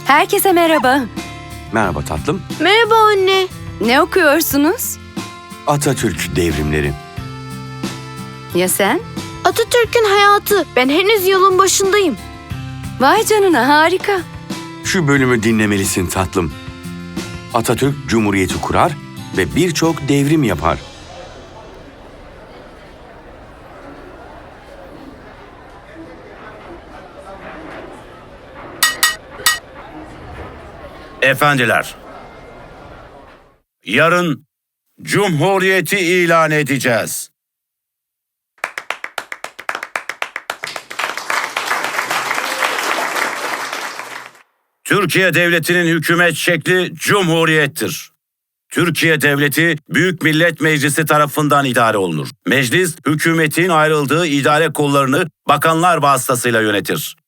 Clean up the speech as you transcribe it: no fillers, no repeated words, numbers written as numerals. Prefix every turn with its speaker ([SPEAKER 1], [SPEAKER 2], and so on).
[SPEAKER 1] Herkese merhaba.
[SPEAKER 2] Merhaba tatlım.
[SPEAKER 3] Merhaba anne.
[SPEAKER 1] Ne okuyorsunuz?
[SPEAKER 2] Atatürk devrimleri.
[SPEAKER 1] Ya sen?
[SPEAKER 3] Atatürk'ün hayatı. Ben henüz yolun başındayım.
[SPEAKER 1] Vay canına, harika.
[SPEAKER 2] Şu bölümü dinlemelisin tatlım. Atatürk Cumhuriyeti kurar ve birçok devrim yapar.
[SPEAKER 4] Efendiler, yarın Cumhuriyeti ilan edeceğiz. Türkiye Devleti'nin hükümet şekli Cumhuriyettir. Türkiye Devleti Büyük Millet Meclisi tarafından idare olunur. Meclis, hükümetin ayrıldığı idare kollarını bakanlar vasıtasıyla yönetir.